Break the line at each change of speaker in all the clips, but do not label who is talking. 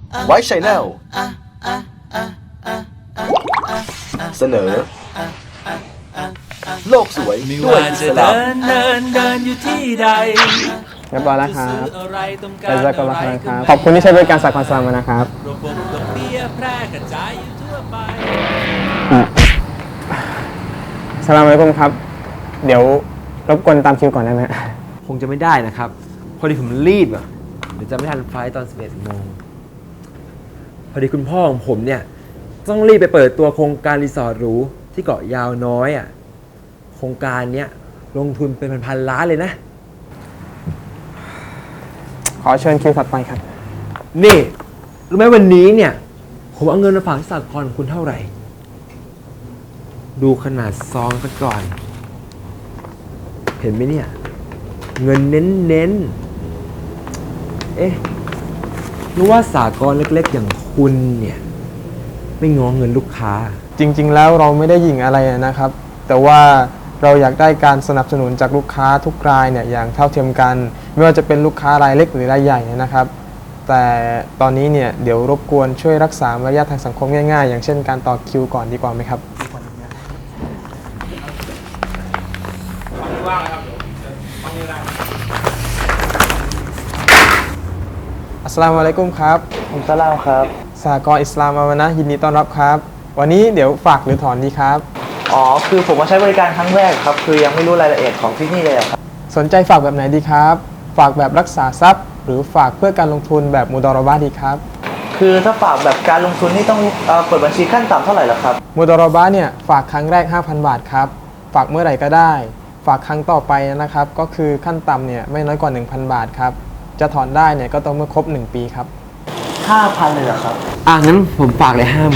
ไว้ชัยแนลเสนอ โลกสวยด้วยอิสลาม
เดินอยู่ที่ใด
เรียบร้อยแล้วครับ
อะไรต้องกา
แต่
ร
จะกำลังครับ ขอบคุณที่ใช้บริการสากลสลามนะครับ
ระบบดอกเบี้ยแพร่กระจายอยู่ทั่วไป
สลามอะลัยกุมครับ เดี๋ยวรบกวนตามคิวก่อนได้ไหม
คงจะไม่ได้นะครับ พอดีผมรีบอ่ะเดี๋ยวจะไม่ทันไฟล์ตอน 11 โมง พอดีคุณพ่อของผมเนี่ยต้องรีบไปเปิดตัวโครงการรีสอร์ทหรูที่เกาะยาวน้อยอ่ะ โครงการเนี้ยลงทุนเป็นพันๆล้านเลยนะ
ขอเชิญคิวถัดไปครับ
นี่รู้ไหมวันนี้เนี่ย ผมเอาเงินมาฝากที่สหกรณ์ของคุณเท่าไหร่ ดูขนาดซองกันก่อน เห็นไหมเนี่ย เงินเน้นๆ เอ๊ะรู้ว่าสหกรณ์เล็กๆอย่างคุณเนี่ย ไม่ง้อเงินลูกค้า
จริงๆ แล้วเราไม่ได้หยิ่งอะไรนะครับ แต่ว่าเราอยากได้การสนับสนุนจากลูกค้าทุกรายเนี่ยอย่างเท่าเทียมกัน ไม่ว่าจะเป็นลูกค้ารายเล็กหรือรายใหญ่นะครับ แต่ตอนนี้เนี่ยเดี๋ยวรบกวนช่วยรักษามารยาททางสังคมง่ายๆ อย่างเช่นการต่อคิวก่อนดีกว่าไหมครับอัสสลามุอะลัยกุมครับ
ผมสลามครับ
สหกรณ์อิสลามอาวะนะห์ยินดีต้อนรับครับ วันนี้เดี๋ยวฝากหรือถอนดีครับ
อ๋อ คือผมมาใช้บริการครั้งแรกครับ คือยังไม่รู้รายละเอียดของที่นี่เลยครับ
สนใจฝากแบบไหนดีครับ ฝากแบบรักษาทรัพย์ หรือฝากเพื่อการลงทุนแบบมุดอรอบะห์ดีครับ
คือถ้าฝากแบบการลงทุนนี่ต้องเปิดบัญชีขั้นต่ำเท่าไหร่ล่ะครับ
มุดอรอบะห์เนี่ยฝากครั้งแรก 5,000 บาทครับ ฝากเมื่อไหร่ก็ได้ ฝากครั้งต่อไปนะครับ ก็คือขั้นต่ำเนี่ยไม่น้อยกว่า 1,000 บาทครับ จะถอนได้เนี่ยก็ต้องเมื่อครบ 1 ปีครับ
5,000 เลยเหรอครับ
งั้นผมฝากเลย 50,000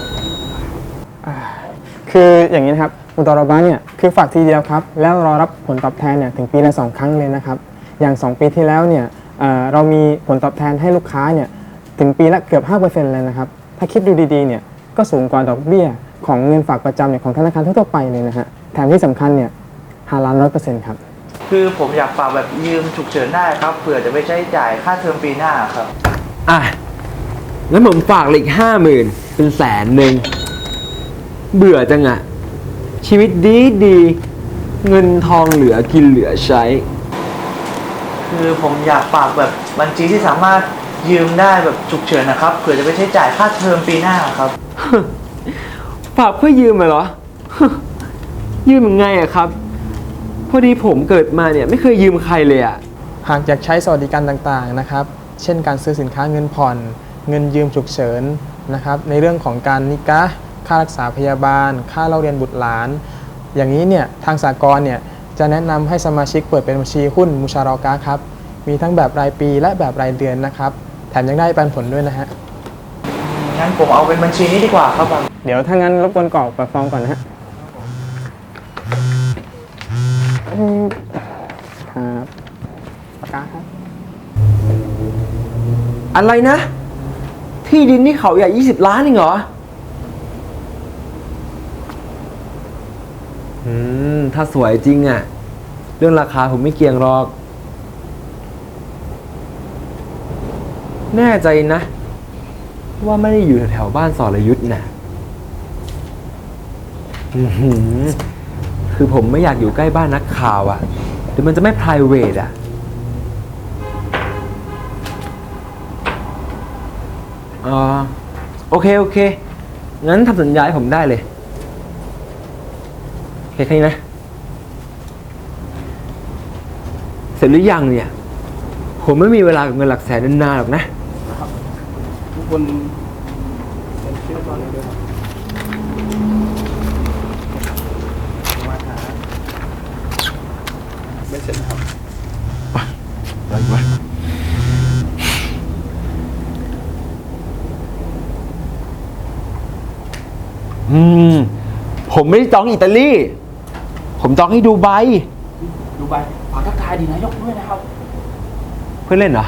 คืออย่างนี้นะครับมุดอรอบะห์เนี่ยคือฝากทีเดียวครับแล้วรอรับผลตอบแทนเนี่ยถึงปีละ2 ครั้งเลยนะครับอย่าง2 ปีที่แล้วเนี่ยเรามีผลตอบแทนให้ลูกค้าเนี่ยถึงปีละเกือบ 5% เลยนะครับถ้าคิดดูดีๆเนี่ยก็สูงกว่าดอกเบี้ยของเงินฝากประจำเนี่ยของธนาคารทั่วๆไปเลยนะฮะแถมที่สำคัญเนี่ยฮาลาล 100% ครับ
คือผมอยากฝากแบบยืมฉุกเฉินได้ครับเผื่อจะไปใช้จ่ายค่าเทอมปีหน้าครับ
งั้นผมฝากเลยอีก 50,000 เป็น100,000 เบื่อจังอะชีวิตดีเงินทองเหลือกินเหลือใช้
คือผมอยากฝากแบบบัญชีที่สามารถยืมได้แบบฉุกเฉินนะครับเผื่อจะไปใช้จ่ายค่าเทอมปีหน้าครับ
ฝากเพื่อยืมเหรอ ยืมยังไงอะครับ พอดีผมเกิดมาเนี่ยไม่เคยยืมใครเลยอะ
หากอยากใช้สวัสดิการต่างๆนะครับเช่นการซื้อสินค้าเงินผ่อนเงินยืมฉุกเฉินนะครับในเรื่องของการนิกะห์ค่ารักษาพยาบาล ค่าเล่าเรียนบุตรหลาน อย่างนี้เนี่ยทางสหกรณ์เนี่ยจะแนะนำให้สมาชิกเปิดเป็นบัญชีหุ้นมุชารอกะห์ครับมีทั้งแบบรายปีและแบบรายเดือนนะครับแถมยังได้ปันผลด้วยนะฮะ
งั้นผมเอาเป็นบัญชีนี้ดีกว่าครับบาง
เดี๋ยวถ้างั้นรบกวนกรอกแบบฟอร์มก่อนนะฮะครับปากกาครับ
อะไรนะ ที่ดินที่เขาใหญ่20 ล้านเองเหรอ ถ้าสวยจริงอะเรื่องราคาผมไม่เกี่ยงหรอก แน่ใจนะ ว่าไม่ได้อยู่แถวๆบ้านสรยุทธ์นะคือผมไม่อยากอยู่ใกล้บ้านนักข่าวอะเดี๋ยวมันจะไม่ private อะโอเค งั้นทำสัญญาให้ผมได้เลย โอเคแค่นี้นะ เสร็จหรือยังเนี่ย ผมไม่มีเวลากับเงินหลักแสนนานๆหรอกนะ
ทุกคนเป็นชื่อตอนนี้ด้วยครับไม่เสร็จนะครับ
อะไรวะ
ผมไม่ได้จองอิตาลี ผมจองให้ดูไบ
ดูใบฝากทักทายดีนายกด้วยนะครับ
เพื่อนเล่นเหรอ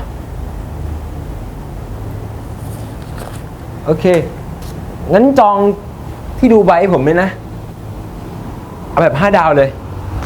โอเค งั้นจองที่ดูไบให้ผมเลยนะ เอาแบบ5 ดาวเลย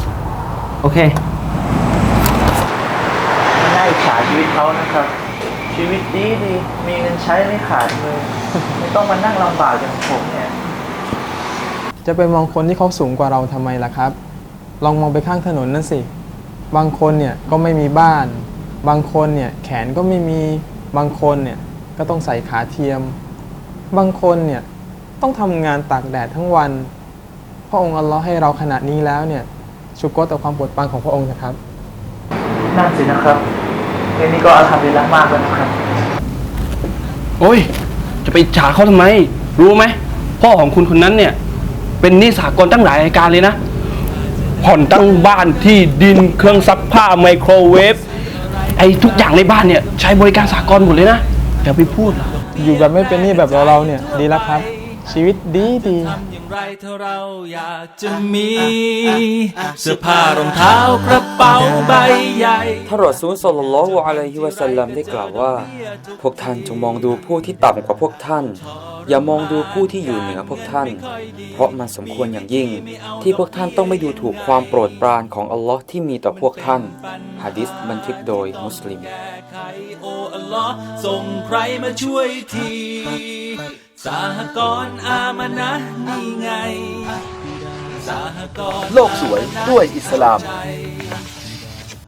โอเค
ไม่น่าอิจฉาชีวิตเขานะครับชีวิตดีดีมีเงินใช้ไม่ขาดเลย ไม่ต้องมานั่งลำบากอย่างผมเนี่ย
จะไปมองคนที่เขาสูงกว่าเราทำไมล่ะครับ ลองมองไปข้างถนนนั่นสิ บางคนเนี่ยก็ไม่มีบ้าน บางคนเนี่ยแขนก็ไม่มี บางคนเนี่ยก็ต้องใส่ขาเทียม บางคนเนี่ยต้องทำงานตากแดดทั้งวัน พระองค์อัลลอฮ์ให้เราขนาดนี้แล้วเนี่ยชุกรต่อความโปรดปรานของพระองค์นะครับ
นั่นสินะครับเรื่องนี้ก็อัลฮัมดุลิลละห์มากแล้วนะครับ
โอ้ย จะไปอิจฉาเขาทำไม รู้ไหม พ่อของคุณคนนั้นเนี่ย เป็นหนี้สากลตั้งหลายรายการเลยนะ ผ่อนตั้งบ้านที่ดินเครื่องซักผ้าไมโครเวฟไอ้ทุกอย่างในบ้านเนี่ย ใช้บริการสากลหมดเลยนะอย่าไปพูดนะ
อยู่แบบไม่เป็นหนี้แบบเราเนี่ยดีแล้วครับ ชีวิตดีดี
ทำอย่างไรถ้าเราอยากจะมี เสื้อผ้ารองเท้ากระเป๋าใบใหญ่
ท่านรอซูล ศ็อลลัลลอฮุอะลัยฮิวะซัลลัมได้กล่าวว่า พวกท่านจงมองดูผู้ที่ต่ำกว่าพวกท่าน อย่ามองดูผู้ที่อยู่เหนือพวกท่าน เพราะมันสมควรอย่างยิ่ง ที่พวกท่านต้องไม่ดูถูกความโปรดปรานของอัลลอฮ์ที่มีต่อพวกท่านหะดีษบันทึกโดยมุสลิม
แก้ไขโอ้อัลลอฮ์ส่งใครมาช่วยทีสหกรณ์อามานะห์นี่ไงสหกรณ์
โลกสวยด้วยอิสลาม
ใจ